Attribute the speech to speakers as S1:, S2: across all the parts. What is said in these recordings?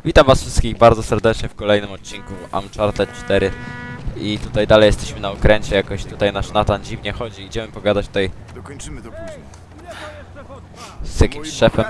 S1: Witam was wszystkich bardzo serdecznie w kolejnym odcinku Uncharted 4. I tutaj dalej jesteśmy na okręcie, jakoś tutaj nasz Nathan dziwnie chodzi. Idziemy pogadać tutaj
S2: Dokończymy to później.
S1: z jakimś szefem.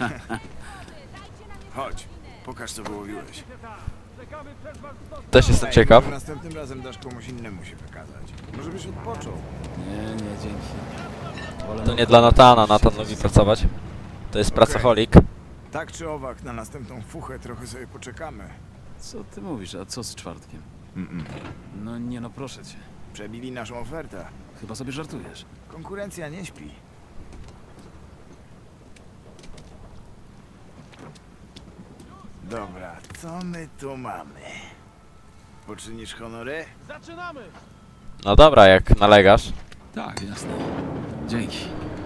S2: Chodź, pokaż co wyłowiłeś.
S1: Też jestem ciekaw.
S2: Może następnym razem dasz komuś innemu się wykazać. Może byś odpoczął.
S3: Nie, dzięki.
S1: To nie dla Nathana, Nathan lubi pracować. To jest pracoholik.
S2: Tak czy owak, na następną fuchę trochę sobie poczekamy.
S3: Co ty mówisz, a co z czwartkiem? No nie no, proszę cię.
S2: Przebili naszą ofertę.
S3: Chyba sobie żartujesz.
S2: Konkurencja nie śpi. Dobra, co my tu mamy? Poczynisz honory?
S1: No dobra, jak nalegasz.
S3: Tak, jasne. Dzięki.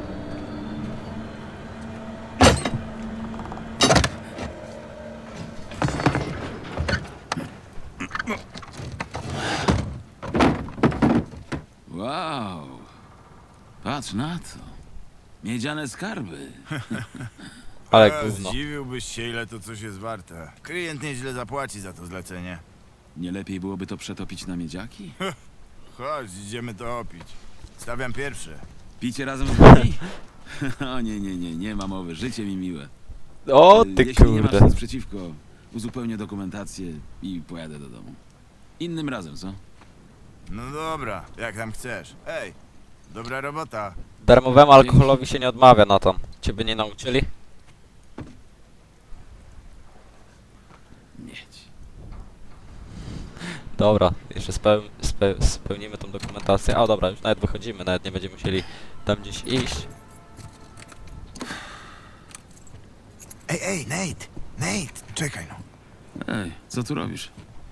S3: Wow. Patrz na to. Miedziane skarby.
S1: Ale gówno.
S2: Zdziwiłbyś się, ile to coś jest warte. Klient nieźle zapłaci za to zlecenie.
S3: Nie lepiej byłoby to przetopić na miedziaki?
S2: Chodź, idziemy to opić. Stawiam pierwszy.
S3: Picie razem z nami? O nie ma mowy. Życie mi miłe.
S1: O ty
S3: Jeśli nie masz
S1: kurde.
S3: nic przeciwko, uzupełnię dokumentację i pojadę do domu. Innym razem, co?
S2: No dobra, jak tam chcesz. Ej, dobra robota.
S1: Darmowemu alkoholowi się nie odmawia, Nathan. Ciebie nie nauczyli?
S3: Mieć.
S1: Dobra, jeszcze spełnimy tą dokumentację. A dobra, już nawet wychodzimy, nawet nie będziemy musieli tam gdzieś iść.
S2: Ej, Nate, czekaj no.
S3: Ej, co tu robisz?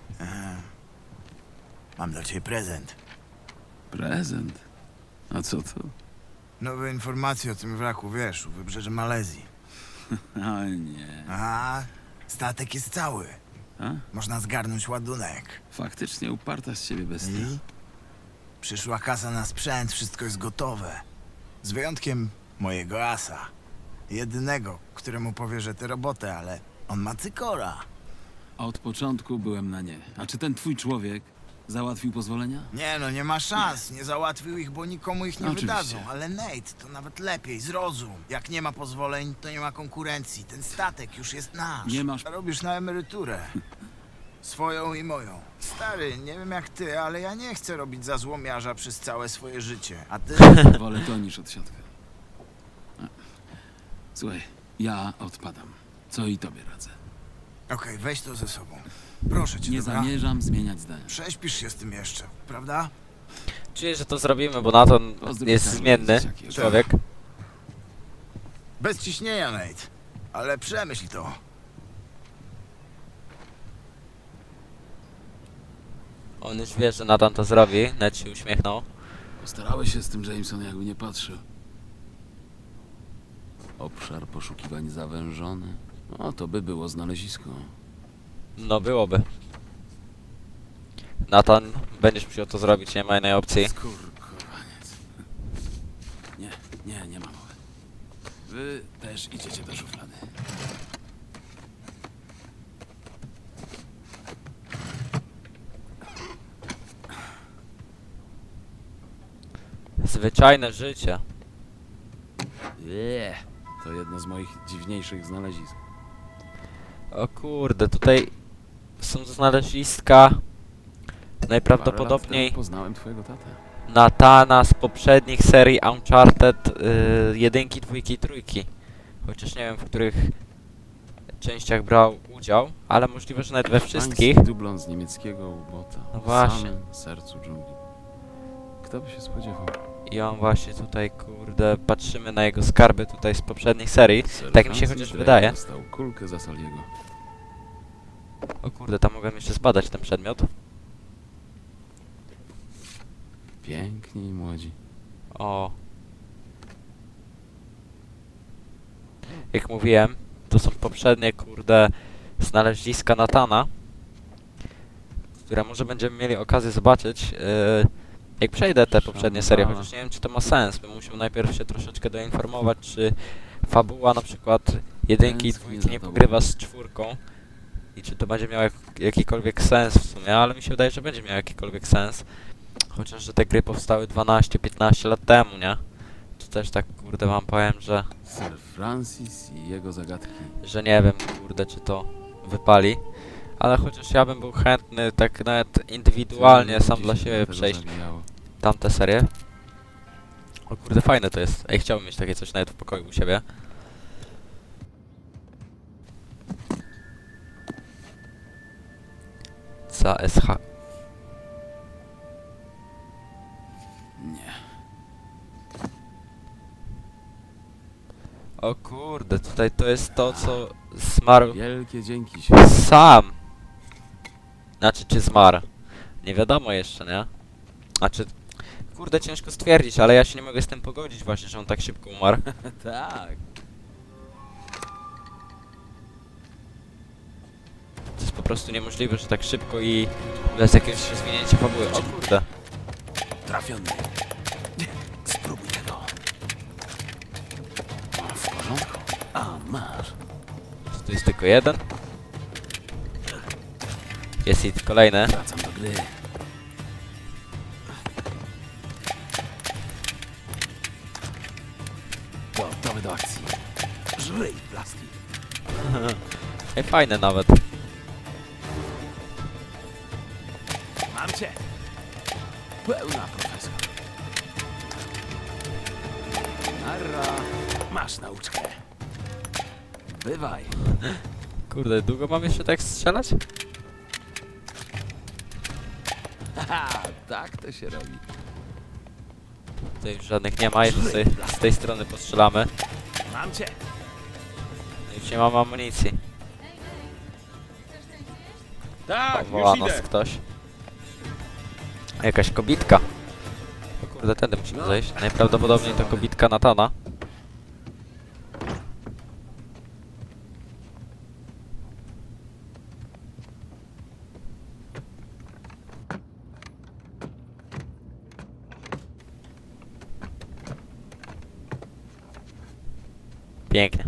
S2: Mam dla ciebie prezent.
S3: Prezent? A co to?
S2: Nowe informacje o tym wraku, wiesz, u wybrzeży Malezji.
S3: O nie.
S2: A, statek jest cały.
S3: A?
S2: Można zgarnąć ładunek.
S3: Faktycznie uparta z ciebie bestia.
S2: I? Przyszła kasa na sprzęt, wszystko jest gotowe. Z wyjątkiem mojego asa. Jedynego, któremu powierzę tę robotę, ale on ma cykora.
S3: Od początku byłem na nie. A czy ten twój człowiek załatwił pozwolenia?
S2: Nie no, nie ma szans. Nie załatwił ich, bo nikomu ich nie
S3: Oczywiście.
S2: wydadzą. Ale Nate, to nawet lepiej, zrozum. Jak nie ma pozwoleń, to nie ma konkurencji. Ten statek już jest nasz.
S3: Nie masz-
S2: Robisz na emeryturę. Swoją i moją. Stary, nie wiem jak ty, ale ja nie chcę robić za złomiarza przez całe swoje życie. A ty?
S3: Wolę to niż odsiadkę. A. Słuchaj, ja odpadam. Co i tobie radzę.
S2: Okej, weź to ze sobą. Proszę cię,
S3: Nie
S2: dobra?
S3: zamierzam zmieniać zdania.
S2: Prześpisz się z tym jeszcze, prawda?
S1: Czuję, że to zrobimy, bo Nathan
S3: Pozdrów
S1: jest
S3: Karla,
S1: zmienny
S3: dzieciaki.
S1: człowiek.
S2: Bez ciśnienia, Nate. Ale przemyśl to.
S1: On już wie, że Nathan to zrobi. Ned się uśmiechnął.
S3: Postarałeś się z tym, Jameson, jakby nie patrzył. Obszar poszukiwań zawężony. O, to by było znalezisko.
S1: No byłoby. Nathan, będziesz musiał to zrobić, nie ma innej opcji.
S3: Skurkowaniec. Nie ma mowy. Wy też idziecie do szuflady.
S1: Zwyczajne życie.
S3: To jedno z moich dziwniejszych znalezisk.
S1: O kurde, tutaj są znaleziska najprawdopodobniej
S3: Parę lat temu poznałem twojego tatę.
S1: Nathana z poprzednich serii Uncharted 1, 2 i 3. Chociaż nie wiem, w których częściach brał udział, ale możliwe, że nawet we wszystkich.
S3: Pański dublon z niemieckiego ubota.
S1: No
S3: W
S1: właśnie.
S3: samym sercu dżungli. Kto by się spodziewał?
S1: I on właśnie tutaj, kurde, patrzymy na jego skarby tutaj z poprzednich serii.
S3: Sir
S1: Tak mi się
S3: Francis
S1: chociaż
S3: Drake
S1: wydaje.
S3: dostał kulkę za Saliego.
S1: O kurde, tam mogłem jeszcze zbadać ten przedmiot.
S3: Piękni i młodzi.
S1: O. Jak mówiłem, to są poprzednie, kurde, znaleziska Nathana, które może będziemy mieli okazję zobaczyć, jak przejdę te poprzednie serie, chociaż nie wiem, czy to ma sens. Bym musiał najpierw się troszeczkę doinformować, czy fabuła na przykład jedynki i
S3: Tęsknię
S1: dwójki
S3: za
S1: nie
S3: tobą.
S1: pogrywa z czwórką. i czy to będzie miało jakikolwiek sens w sumie, ale mi się wydaje, że będzie miało jakikolwiek sens. Chociaż, że te gry powstały 12-15 lat temu, nie? To też tak, kurde, wam powiem,
S3: Sir Francis i jego zagadki.
S1: że nie wiem, kurde, czy to wypali. Ale chociaż ja bym był chętny tak nawet indywidualnie, sam
S3: Gdzie
S1: dla
S3: się
S1: siebie
S3: tego
S1: przejść
S3: zawijało?
S1: tamte serie. O kurde, fajne to jest. Ej, chciałbym mieć takie coś nawet w pokoju u siebie. CSH.
S3: Nie.
S1: O kurde, tutaj to jest to, co zmarł
S3: Wielkie dzięki się.
S1: sam. Znaczy, czy zmarł? Nie wiadomo jeszcze, nie? Znaczy, kurde, ciężko stwierdzić, ale ja się nie mogę z tym pogodzić właśnie, że on tak szybko umarł.
S3: Tak.
S1: To jest po prostu niemożliwe, że tak szybko i bez jakiegoś rozwinięcia fabuły. O kurde.
S3: Trafiony. Spróbuj tego. W porządku. A, masz.
S1: To jest tylko jeden. Jest i kolejny.
S3: Wracam do gry. Gotowy do akcji. Żryj plastik.
S1: Ej, fajne nawet.
S3: Mam cię. Pełna profesor. Narra. Masz nauczkę. Bywaj.
S1: Kurde, długo mam jeszcze tak strzelać?
S3: Haha, tak to się robi.
S1: Tutaj już żadnych nie ma, jeszcze sobie z tej strony postrzelamy.
S3: Mam cię.
S1: Już nie mam amunicji.
S3: Tak,
S1: Woła nas ktoś. Jakaś kobitka. O kurde, tędy musimy zejść. Najprawdopodobniej to kobitka Natana. Pięknie.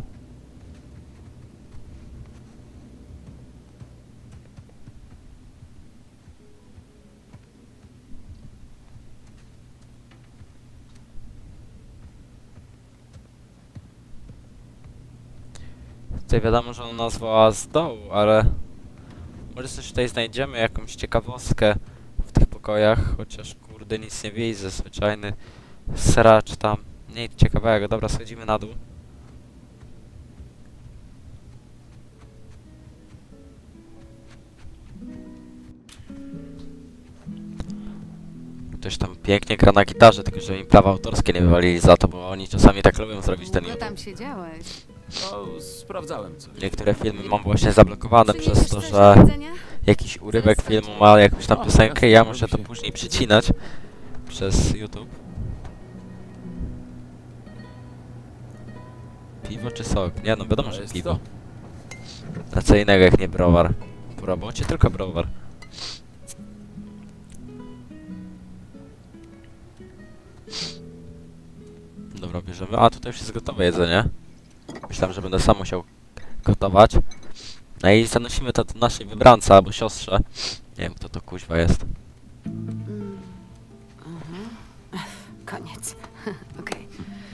S1: Tutaj wiadomo, że ona nas woła z dołu, ale może coś tutaj znajdziemy, jakąś ciekawostkę w tych pokojach, chociaż kurde nic nie widzę, zwyczajny sracz tam, nic ciekawego. Dobra, schodzimy na dół. Ktoś tam pięknie gra na gitarze, tylko że im prawa autorskie nie wywalili za to, bo oni czasami tak lubią zrobić ten
S4: Długo
S1: YouTube.
S4: tam siedziałeś.
S3: O, sprawdzałem coś.
S1: Niektóre filmy mam właśnie zablokowane przez
S4: Przyniesiesz
S1: to,
S4: coś
S1: że
S4: do jedzenia?
S1: jakiś urywek filmu ma jakąś tam piosenkę i ja muszę to później przycinać przez YouTube. Piwo czy sok? Nie no, wiadomo,
S3: To
S1: że
S3: jest
S1: piwo.
S3: to.
S1: A co innego jak nie browar. Po robocie tylko browar. Dobra, bierzemy. A, tutaj już jest gotowe jedzenie. Myślałem, że będę sam musiał gotować. No i zanosimy to do naszej wybrance albo siostrze. Nie wiem, kto to kuźwa jest.
S4: Koniec. Okej.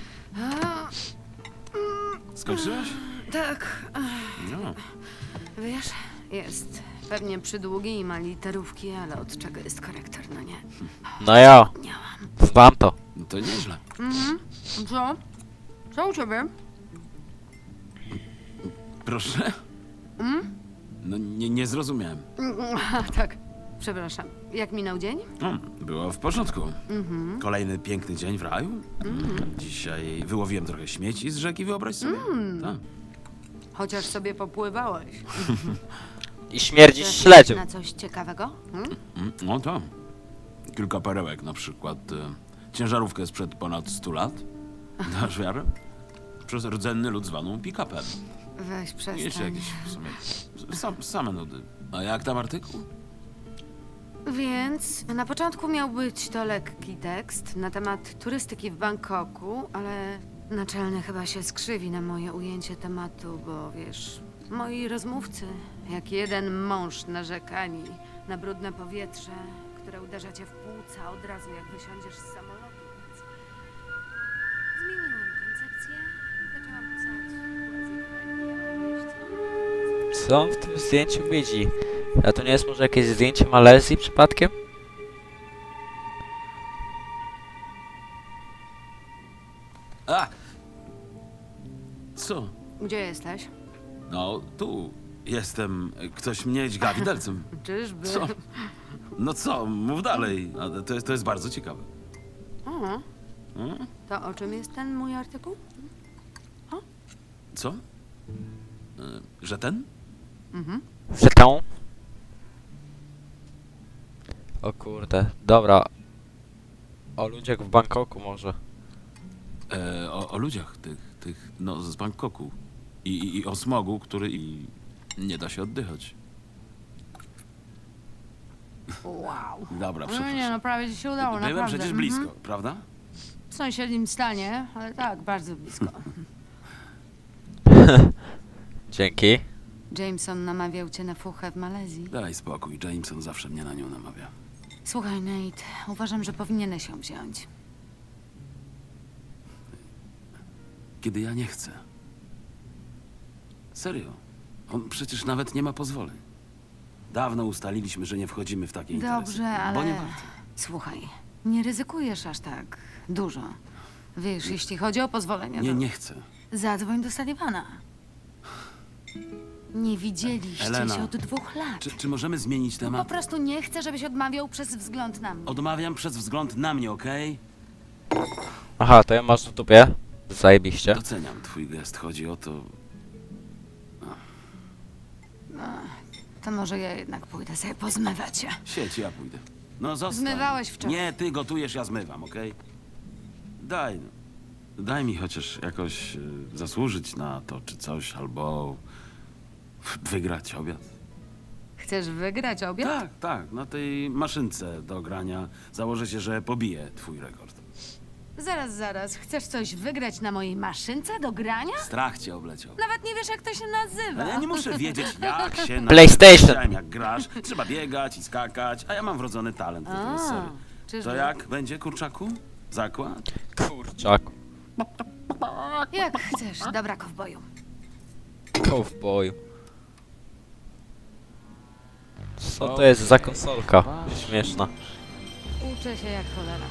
S3: Skończyłeś?
S4: Tak.
S3: No.
S4: Wiesz, jest pewnie przydługi i ma literówki, ale od czego jest korektor, no nie?
S1: No ja,
S4: Miałam.
S1: znam to.
S3: No to nieźle.
S4: Co? Co u ciebie?
S3: Proszę? No nie zrozumiałem.
S4: Tak. Przepraszam. Jak minął dzień?
S3: Było w porządku. Kolejny piękny dzień w raju. Dzisiaj wyłowiłem trochę śmieci z rzeki, wyobraź sobie. Tak.
S4: Chociaż sobie popływałeś.
S1: I śmierdzisz
S4: Chcesz
S1: śledzią.
S4: na coś ciekawego?
S3: No to. Kilka perełek, na przykład ciężarówkę sprzed ponad 100 lat. Dasz wiarę? Przez rdzenny lud zwaną pick-upem.
S4: Weź
S3: I
S4: przestań.
S3: jeszcze jakieś w sumie same nudy. A jak tam artykuł?
S4: Więc na początku miał być to lekki tekst na temat turystyki w Bangkoku, ale naczelny chyba się skrzywi na moje ujęcie tematu, bo wiesz, moi rozmówcy Jak jeden mąż narzekani na brudne powietrze, które uderza cię w płuca od razu jak wysiądziesz z samolotu. Więc zmieniłam koncepcję i zaczęłam pisać poezję.
S1: Co on w tym zdjęciu widzi? A to nie jest może jakieś zdjęcie Malezji przypadkiem?
S3: A! Co?
S4: Gdzie jesteś?
S3: No, tu jestem. Ktoś mnie dźga widelcem.
S4: Czyżby?
S3: Co? No co, mów dalej. A to jest bardzo ciekawe.
S4: O,
S3: Hmm?
S4: to o czym jest ten mój artykuł?
S3: Co? Że ten?
S4: Mhm.
S1: Że tą? O kurde, dobra. O ludziach w Bangkoku może.
S3: O ludziach no z Bangkoku. I o smogu, który nie da się oddychać.
S4: Wow.
S3: Dobra,
S4: No nie,
S3: przepraszam.
S4: no prawie ci się udało,
S3: Byłem
S4: naprawdę.
S3: przecież blisko, prawda?
S4: W sąsiednim stanie, ale tak, bardzo blisko.
S1: Dzięki.
S4: Jameson namawiał cię na fuchę w Malezji.
S3: Daj spokój, Jameson zawsze mnie na nią namawia.
S4: Słuchaj, Nate, uważam, że powinieneś ją wziąć.
S3: Kiedy ja nie chcę. Serio. On przecież nawet nie ma pozwoleń. Dawno ustaliliśmy, że nie wchodzimy w takie interesy.
S4: Dobrze, ale...
S3: Bo nie warto.
S4: Słuchaj, nie ryzykujesz aż tak dużo. Wiesz, jeśli chodzi o pozwolenia,
S3: Nie,
S4: to
S3: nie chcę.
S4: zadzwoń do Sullivana. Nie widzieliście
S3: Elena,
S4: się od 2 lat.
S3: Czy możemy zmienić
S4: Po
S3: temat?
S4: prostu nie chcę, żebyś odmawiał przez wzgląd na mnie.
S3: Odmawiam przez wzgląd na mnie, okej?
S1: Aha, to ja masz w dupie. Zajebiście.
S3: Doceniam twój gest. Chodzi o to...
S4: To może ja jednak pójdę sobie pozmywać się.
S3: Siedź, ja pójdę. No zostań.
S4: Zmywałeś wczoraj.
S3: Nie, ty gotujesz, ja zmywam, okej? Daj, no. Daj mi chociaż jakoś zasłużyć na to, czy coś, albo wygrać obiad.
S4: Chcesz wygrać obiad?
S3: Tak, tak, na tej maszynce do grania założę się, że pobiję twój rekord.
S4: Zaraz. Chcesz coś wygrać na mojej maszynce do grania?
S3: Strach cię obleciał.
S4: Nawet nie wiesz, jak to się nazywa.
S3: Ale ja nie muszę wiedzieć, jak się nazywa.
S1: PlayStation.
S3: Widziałem, jak grasz. Trzeba biegać i skakać, a ja mam wrodzony talent do tej serii.
S4: czyżby?
S3: To jak będzie, kurczaku? Zakład?
S1: Kurczaku.
S4: Jak chcesz, dobra, kowboju.
S1: Cowboy. Co to jest za konsolka? Śmieszna.
S4: Uczę się jak cholera.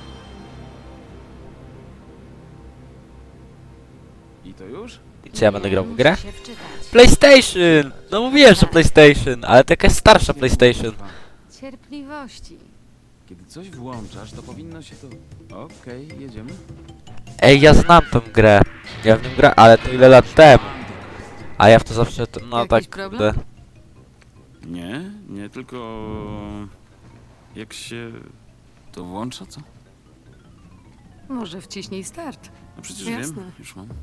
S3: I to już?
S1: I co ja będę grał w
S4: Muszę
S1: grę?
S4: się wczytać.
S1: PlayStation! No mówiłem, że PlayStation, ale to jakaś starsza PlayStation.
S4: Cierpliwości.
S5: Kiedy coś włączasz, to powinno się to... Okej, jedziemy.
S1: Ej, ja znam tą grę. Ja w nią grę, ale to ile lat temu. A ja w to zawsze, no
S4: Jakiś
S1: tak,
S4: problem?
S1: kurde.
S3: Nie, tylko... Jak się to włącza, co?
S4: Może wciśnij start.
S3: No przecież
S4: Jasne.
S3: wiem, już mam.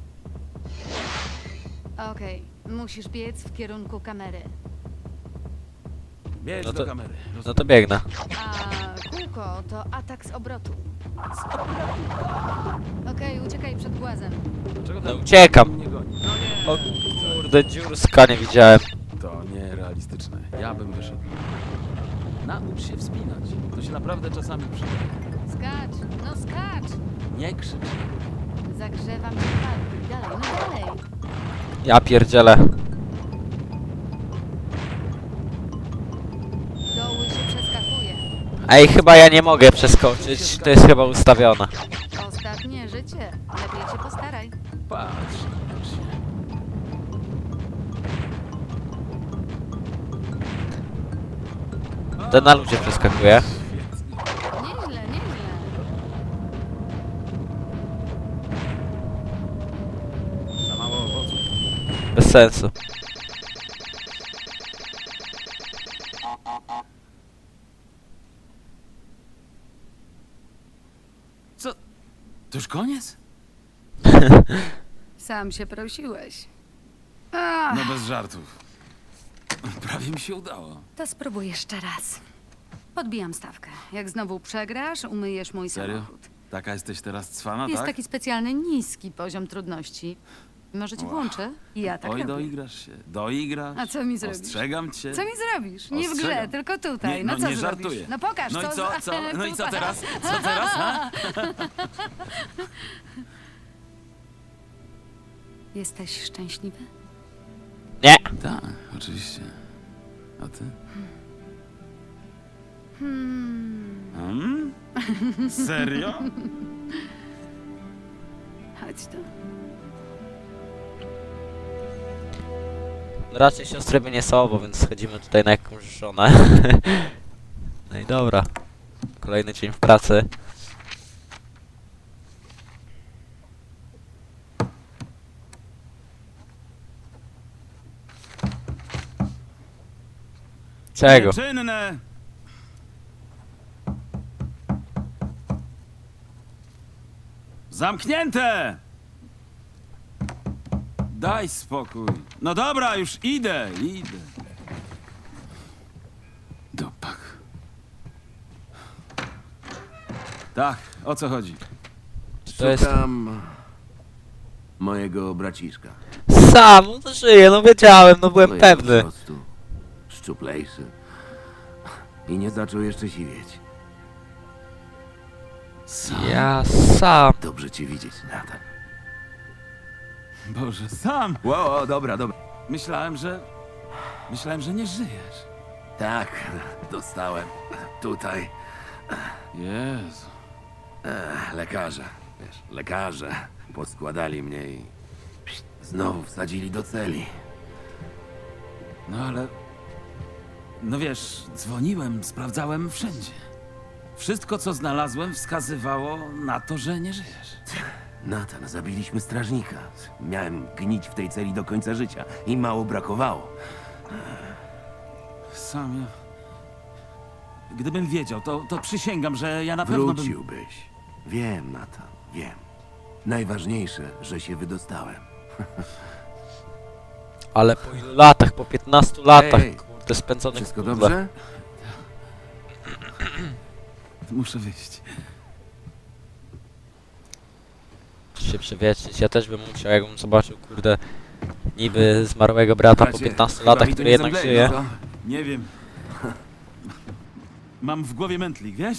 S4: Okej, musisz biec w kierunku kamery.
S3: Bierz
S1: No
S3: do
S1: to-
S3: kamery.
S1: No to biegnę.
S4: A kółko to atak z obrotu. Okej, uciekaj przed głazem.
S5: Czego
S1: No uciekam.
S5: mnie goni?
S1: O kurde, dziurska nie widziałem.
S5: To nierealistyczne. Ja bym wyszedł. Naucz się wspinać. To się naprawdę czasami przyda.
S4: Skacz!
S5: Nie krzycz.
S4: Zagrzewam cię palki. Dalej.
S1: Ja pierdzielę.
S4: Doły się przeskakuje.
S1: Ej, chyba ja nie mogę przeskoczyć. To jest chyba ustawione.
S4: Ostatnie życie. Lepiej się postaraj.
S5: Patrz, naucz się.
S1: To na ludzie przeskakuje.
S4: Nieźle.
S5: Za mało owoców.
S1: Bez sensu.
S3: Co? To już koniec?
S4: Sam się prosiłeś.
S3: No bez żartów. Prawie mi się udało.
S4: To spróbuj jeszcze raz. Podbijam stawkę. Jak znowu przegrasz, umyjesz mój
S3: Serio?
S4: samochód.
S3: Taka jesteś teraz cwana,
S4: Jest
S3: tak?
S4: taki specjalny niski poziom trudności. Może ci włączę? Ja tak
S3: Oj,
S4: robię.
S3: doigrasz się. Doigrasz.
S4: A co mi zrobisz?
S3: Ostrzegam cię.
S4: Co mi zrobisz? Nie w grze,
S3: Ostrzegam.
S4: tylko tutaj.
S3: Nie,
S4: no
S3: no
S4: co
S3: nie
S4: zrobisz?
S3: żartuję.
S4: No pokaż,
S3: No i co?
S4: za-
S3: No i co
S4: tutaj.
S3: teraz? Co teraz, ha?
S4: Jesteś szczęśliwy?
S1: Nie!
S3: Tak, oczywiście. A ty? Hmm? Serio?
S4: Chodź tu.
S1: Raczej siostry by nie słowo, więc schodzimy tutaj na jakąś żonę. No i dobra. Kolejny dzień w pracy. Czego?
S3: Czynne! Zamknięte! Daj spokój. No dobra, już idę. Dopak. Tak, o co chodzi?
S1: To jest...
S6: Szukam mojego braciszka.
S1: Sam, no to żyje, no wiedziałem, no byłem
S6: No jest po
S1: pewny.
S6: prostu szczuplejszy. I nie zaczął jeszcze siwieć.
S1: Ja sam.
S6: Dobrze cię widzieć, Nathan.
S3: Boże, sam!
S6: Wow, dobra.
S3: Myślałem, że nie żyjesz.
S6: Tak, dostałem. Tutaj.
S3: Jezu.
S6: Lekarze. Wiesz, lekarze poskładali mnie i znowu wsadzili do celi.
S3: No ale... No wiesz, dzwoniłem, sprawdzałem wszędzie. Wszystko, co znalazłem, wskazywało na to, że nie żyjesz.
S6: Nathan, zabiliśmy strażnika. Miałem gnić w tej celi do końca życia i mało brakowało.
S3: Sam ja... Gdybym wiedział, to przysięgam, że ja na pewno bym...
S6: Wróciłbyś. Wiem, Nathan, wiem. Najważniejsze, że się wydostałem.
S1: Ale po ilu latach, po 15 latach,
S6: Ej,
S1: kurde, spędzonych w
S6: Wszystko
S1: pudle.
S6: dobrze?
S3: Muszę wyjść.
S1: Się przewietrzyć, ja też bym musiał, jakbym zobaczył, kurde, niby zmarłego brata po
S6: Bracie,
S1: 15
S6: chyba
S1: latach,
S6: mi tu
S1: który
S6: nie
S1: jednak
S6: zemdleje,
S1: żyje.
S6: no co?
S3: Nie wiem. Mam w głowie mętlik, wiesz?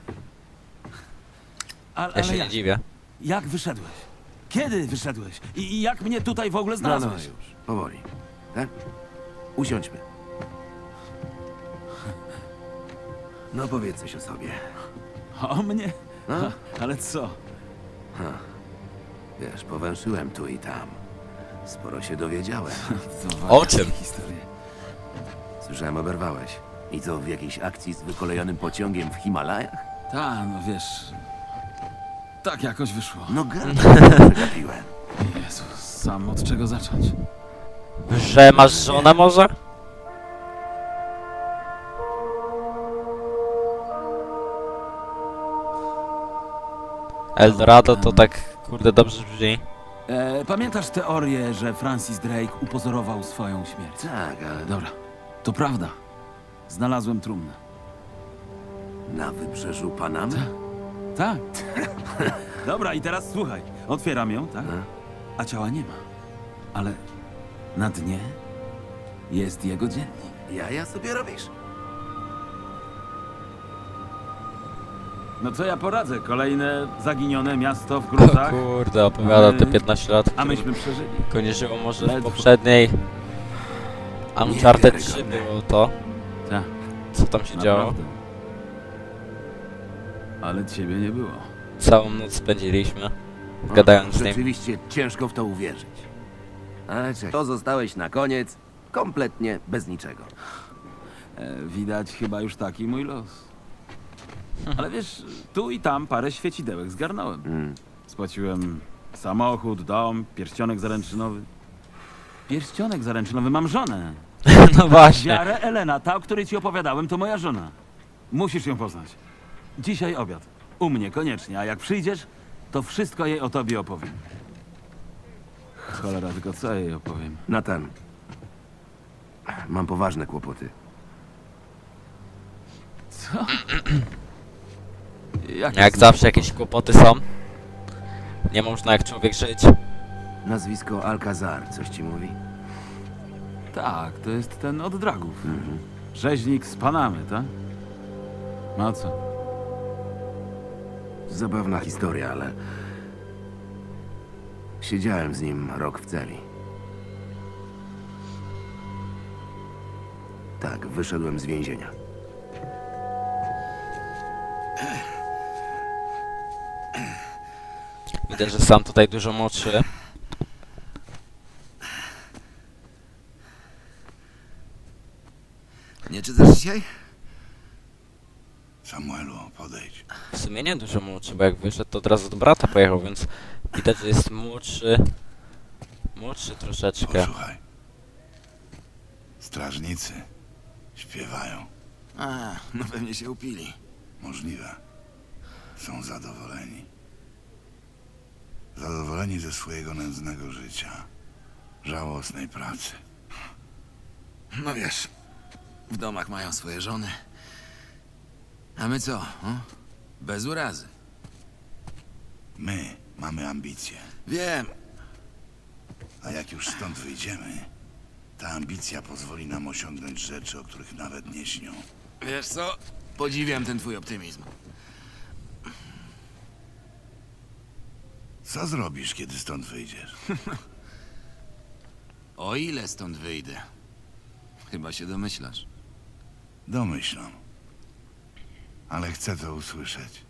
S1: Ja się
S3: Ale
S1: nie dziwię.
S3: jak wyszedłeś? Kiedy wyszedłeś? I jak mnie tutaj w ogóle
S6: No
S3: znalazłeś?
S6: już, powoli. Tak? Usiądźmy. No powiedz coś o sobie.
S3: O mnie?
S6: No?
S3: Ale co?
S6: Wiesz, powęszyłem tu i tam. Sporo się dowiedziałem.
S3: To
S1: O czym?
S3: Historie.
S6: Słyszałem, oberwałeś. I co, w jakiejś akcji z wykolejonym pociągiem w Himalajach?
S3: Ta, no wiesz... Tak jakoś wyszło.
S6: No przegapiłem.
S3: Jezus, sam od czego zacząć?
S1: Że masz żonę może? Eldorado to tak, kurde, dobrze brzmi.
S3: Pamiętasz teorię, że Francis Drake upozorował swoją śmierć?
S6: Tak, ale
S3: Dobra, to prawda. Znalazłem trumnę.
S6: na wybrzeżu Panamy?
S3: Tak. Dobra, i teraz słuchaj. Otwieram ją, tak? A ciała nie ma. Ale na dnie jest jego dziennik.
S6: Jaja sobie robisz?
S3: No co ja poradzę? Kolejne zaginione miasto w
S1: O
S3: gruzach.
S1: kurde, opowiada te 15 lat,
S3: A myśmy przeżyli.
S1: tylko nie żyło może w
S3: Ledwo.
S1: poprzedniej Uncharted 3
S6: Niewiarygodne.
S1: było to,
S3: Tak,
S1: co tam się działo.
S3: naprawdę. Ale ciebie nie było.
S1: Całą noc spędziliśmy, gadając z nim.
S6: Rzeczywiście ciężko w to uwierzyć. Ale czekaj, to zostałeś na koniec kompletnie bez niczego.
S3: Widać chyba już taki mój los. Ale wiesz, tu i tam parę świecidełek zgarnąłem. Spłaciłem samochód, dom, pierścionek zaręczynowy. Pierścionek zaręczynowy, mam żonę.
S1: No właśnie.
S3: Wiarę Elena, ta, o której ci opowiadałem, to moja żona. Musisz ją poznać. Dzisiaj obiad. U mnie, koniecznie. A jak przyjdziesz, to wszystko jej o tobie opowiem. Cholera, tylko co jej opowiem?
S6: Nathan, mam poważne kłopoty.
S3: Co? Jak
S1: Jak zawsze jakieś kłopoty są. Nie można jak człowiek żyć.
S6: Nazwisko Alcazar, coś ci mówi?
S3: Tak, to jest ten od dragów. Rzeźnik z Panamy, tak? No co?
S6: Zabawna historia, ale... Siedziałem z nim rok w celi. Tak, wyszedłem z więzienia.
S1: Widać, że sam tutaj dużo młodszy.
S2: Nie czytasz dzisiaj? Samuelu, podejdź.
S1: W sumie nie dużo młodszy, bo jak wyszedł, to od razu do brata pojechał, więc widać, że jest młodszy. Młodszy troszeczkę.
S7: Posłuchaj. Strażnicy śpiewają.
S2: A, no pewnie się upili.
S7: Możliwe. Są zadowoleni. Zadowoleni ze swojego nędznego życia. Żałosnej pracy.
S2: No wiesz, w domach mają swoje żony. A my co? Bez urazy.
S7: My mamy ambicje.
S2: Wiem.
S7: A jak już stąd wyjdziemy, ta ambicja pozwoli nam osiągnąć rzeczy, o których nawet nie śnią.
S2: Wiesz co? Podziwiam ten twój optymizm.
S7: Co zrobisz, kiedy stąd wyjdziesz?
S2: O ile stąd wyjdę? Chyba się domyślasz.
S7: Domyślam. Ale chcę to usłyszeć.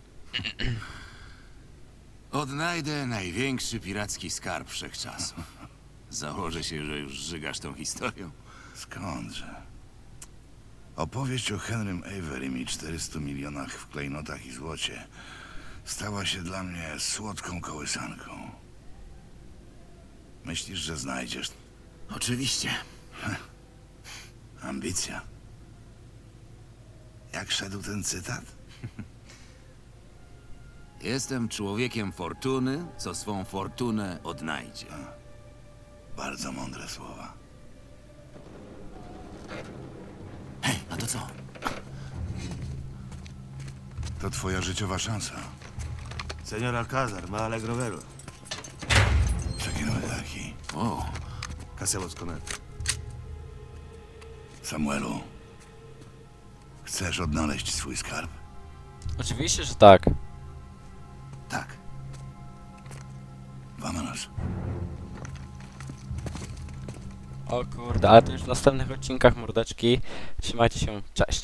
S2: Odnajdę największy piracki skarb wszechczasów. Założę się, że już żygasz tą historią.
S7: Skądże? Opowieść o Henrym Averym i 400 milionach w klejnotach i złocie stała się dla mnie słodką kołysanką. Myślisz, że znajdziesz
S2: Oczywiście.
S7: ambicja? Jak szedł ten cytat?
S2: Jestem człowiekiem fortuny, co swą fortunę odnajdzie.
S7: Bardzo mądre słowa.
S2: Hej, a to co?
S7: To twoja życiowa szansa.
S8: Señor Alcázar, me alegro verlo.
S7: Przeginamy taki.
S2: O,
S8: ¿Qué hacemos con él?
S7: Samuelu, chcesz odnaleźć swój skarb?
S1: Oczywiście, że tak.
S7: Tak. Vámonos.
S1: O kurde, ale to już w następnych odcinkach, mordeczki. Trzymajcie się, cześć.